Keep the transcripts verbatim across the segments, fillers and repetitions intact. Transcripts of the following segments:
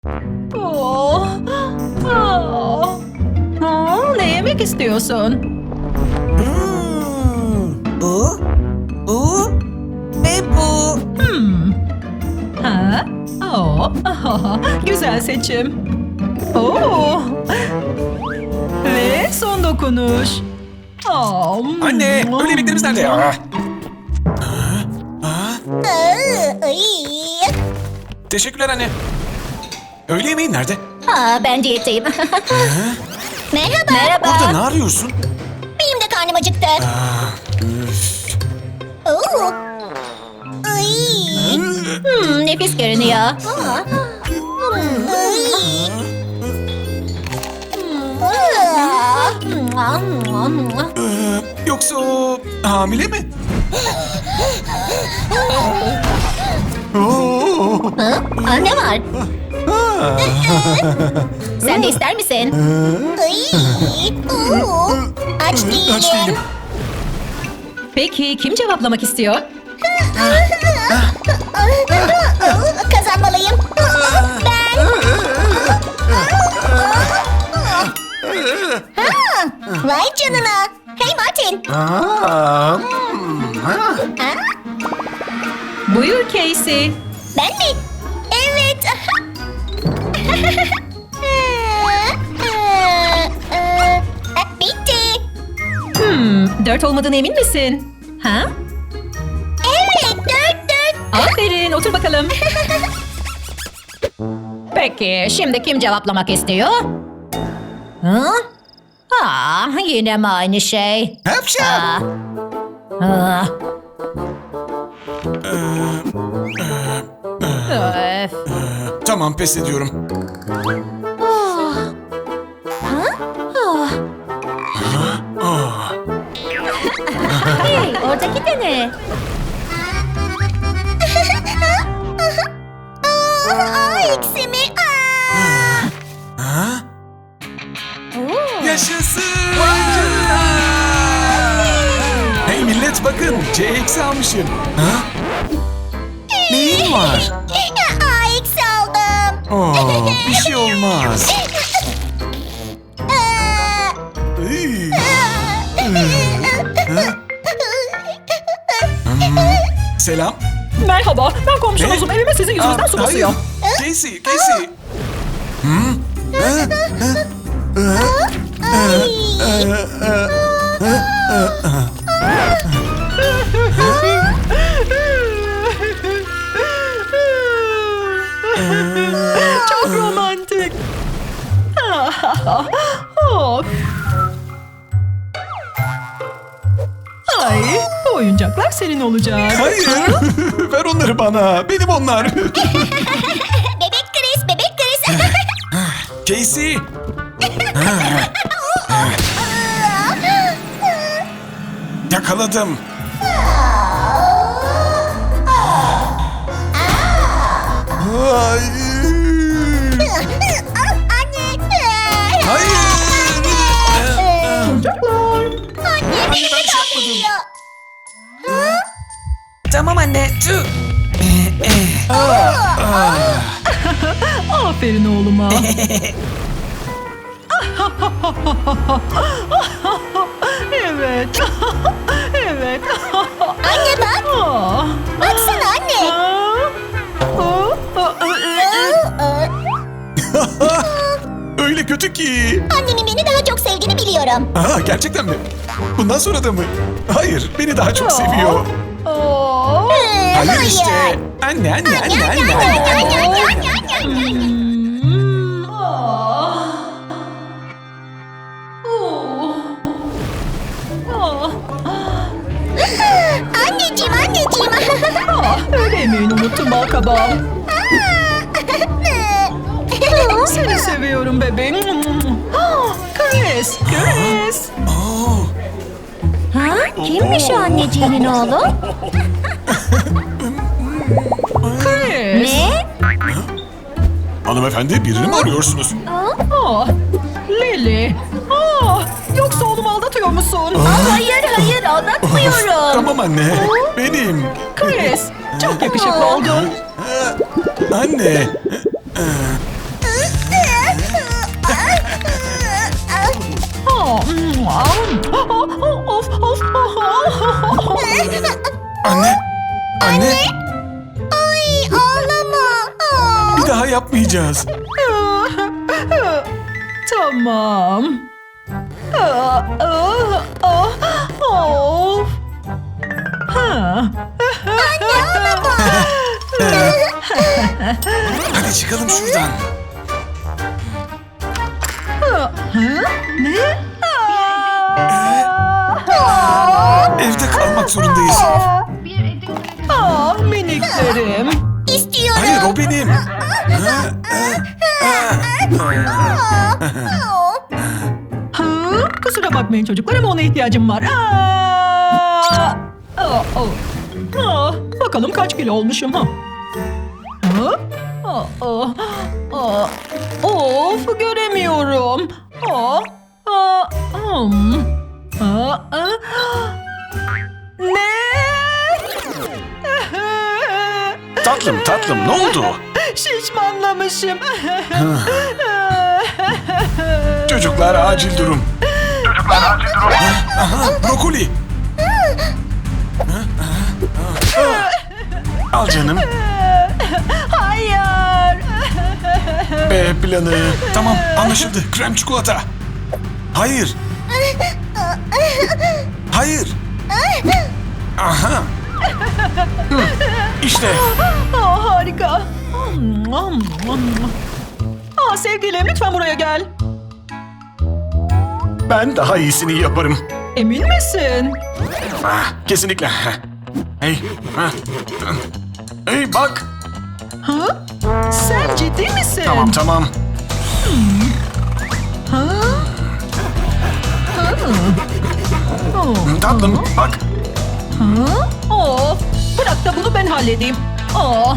Oh. Oh. Oh, ne yemek istiyorsun? Hmm, bu, bu ve bu. Hmm. Ha? Oh. Oh. Güzel seçim. Oh. Ve son dokunuş. Oh. Anne, öğle yemeklerimiz nerede ya? Aa, ay. Teşekkürler anne. Öğle yemeğin nerede? Aa, ben diyetteyim. Merhaba. Merhaba. Orada ne arıyorsun? Benim de karnım acıktı. Üf. Oo. Ay. Hmm, nefis görünüyor. Aa. Ay. Ee, yoksa o hamile mi? Oo. Ha? Aa, ne var? Sen de ister misin? Ay. Oo. Aç değilim. Aç değilim. Peki kim cevaplamak istiyor? Kazanmalıyım. Ben. Ha, vay canına. Hey Martin. Aa, hmm, ha. Ha? Buyur Casey. Ben mi? Evet. Bitti. Hmm, dört olmadığına emin misin? Ha? Evet, dört dört. Aferin, otur bakalım. Peki, şimdi kim cevaplamak istiyor? Hı? Aa, yine mi aynı şey? Hapşam. Aa. Aa. Öf. Tamam, pes ediyorum. Ah. Hey, oradaki de ne? Aa, eksi mi? Aa. Ha? Oo. Yaşasın! Hey millet bakın, C eksi almışım. Ha? Neyin var? Aa, eksi aldım. Oo, bir şey olmaz. Aa. Iy. Ha? Hmm, Selam. Merhaba, ben komşunuzum. Ne? Evime sizin yüzünüzden Aa, su hayır. basıyor. Casey, Casey. Hmm? Ha? Ha? Çok romantik. Of. Ay, bu oyuncaklar senin olacak. Hayır. Ver onları bana. Benim onlar. Bebek Chris, bebek Chris. Casey. Yakaladım. Hayır. Anne. Hayır. Çocuklar. Anne, ben beni bir şey yapmadım. kaldırıyor. Tamam anne. Tüh. Aferin oğluma. Evet. Evet. Anne bak. Ah. Baksana anne. Ah. Ah. Ah. Öyle kötü ki. Annemin beni daha çok sevdiğini biliyorum. Aa, gerçekten mi? Bundan sonra da mı? Hayır, beni daha çok seviyor. Oh. Hayır işte. Anne, anne, anne, anne, anne, anne. Hmm. Ah. Oh. Ah. Anneciğim, anneciğim. Ah, öğle yemeğini unuttum balkabağım. Seni seviyorum bebeğim. Ah, Chris, Chris. Oo, Ha? Kimmiş o anneciğinin oğlu? Chris. Ne? hanımefendi birini mi arıyorsunuz? Ah, Lily. Ah, yoksa oğlumu aldatıyor musun? Hayır, hayır, aldatmıyorum. Tamam anne, benim. Chris, çok yakışıklı oldun. Anne. Anne. Anne. Ay ağlama. Aa. Bir daha yapmayacağız. Tamam. Aa, aa, aa, of. Ha. Hadi çıkalım şuradan. Ne? Evde kalmak zorundayız. Ah miniklerim. İstiyorum. Hayır o benim. Ha, kusura bakmayın çocuklar ama ona ihtiyacım var. Aa! Aa, aa. Aa, bakalım kaç kilo olmuşum ha? Ha? Aa, aa, aa. Of göremiyorum. Aa, aa, hmm. Aa, aa. Ne? Tatlım tatlım ne oldu? Şişmanlamışım. Çocuklar acil durum. Çocuklar acil durum. Aha, brokoli. Al canım. Hayır. B planı. Tamam anlaşıldı. Krem çikolata. Hayır. Hayır. Aha. Hı, İşte. Aa, harika. Aa, sevgilim lütfen buraya gel. Ben daha iyisini yaparım. Emin misin? Ah, kesinlikle. Hey. ah, Hey bak. Ha? Sen ciddi misin? Tamam tamam. Ha? Ha? Oh. Tatlım bak. Ha? Oh. Bırak da bunu ben halledeyim. Oh.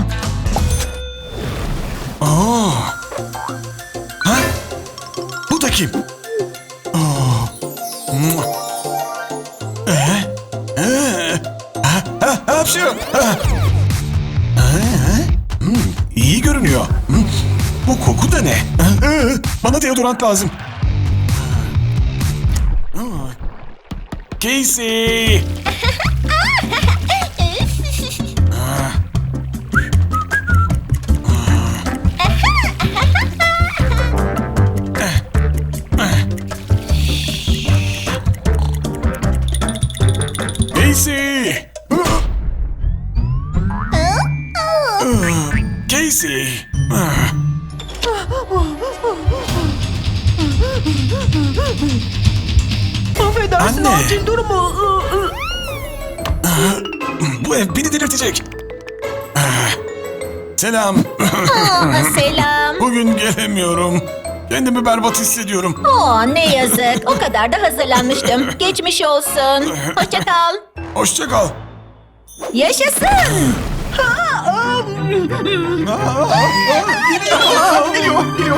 Oo. Ha? Bu da kim? Oo. Mua. Ee? Ee? Ha? Ha? Hapşu. Ha? Ha? Hmm, iyi görünüyor. Hmm, bu koku da ne? Ha? Ee, Bana deodorant lazım. Hmm. Casey. Casey. Casey. Affedersin Anne. acil durumu. Bu ev beni delirtecek. Selam. Aa, selam. Bugün gelemiyorum. Kendimi berbat hissediyorum. Oo, ne yazık. O kadar da hazırlanmıştım. Geçmiş olsun. Hoşça kal. Hoşça kal. Yaşasın. Geliyor, geliyor.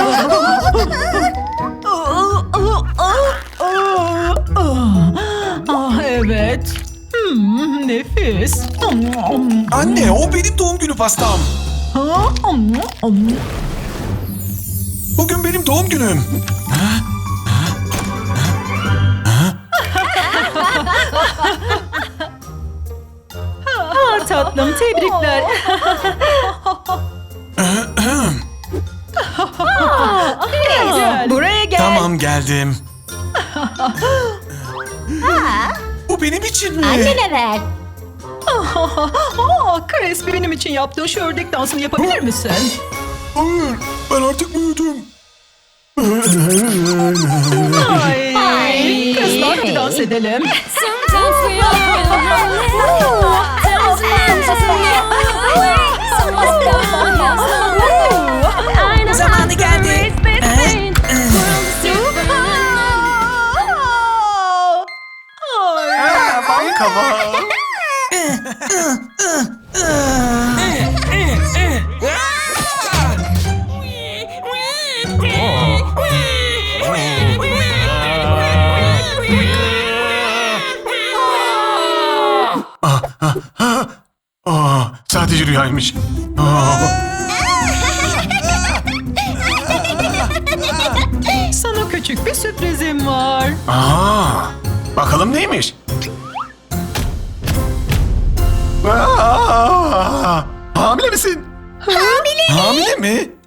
Ah evet. Hmm, nefis. Anne, o benim doğum günü pastam. Bugün benim doğum günüm. Ah tatlım tebrikler. Gel, buraya gel. Tamam, geldim. Bu benim için mi? Annene ver. Aa, Chris benim için yaptığın şu ördek dansını yapabilir misin? Hayır, ben artık büyüdüm. Ay, Ay. kızlar hadi dans edelim. Sometimes we all feel lonely. Sometimes it's so much going on. I know Zamanı how to geldi. raise this pain. World is different. Ay. Bak kaba. Aa, sadece rüyaymış. Aa. Sana küçük bir sürprizim var. Aa, bakalım neymiş? Aa! Hamile misin? Hamile. Hamile mi?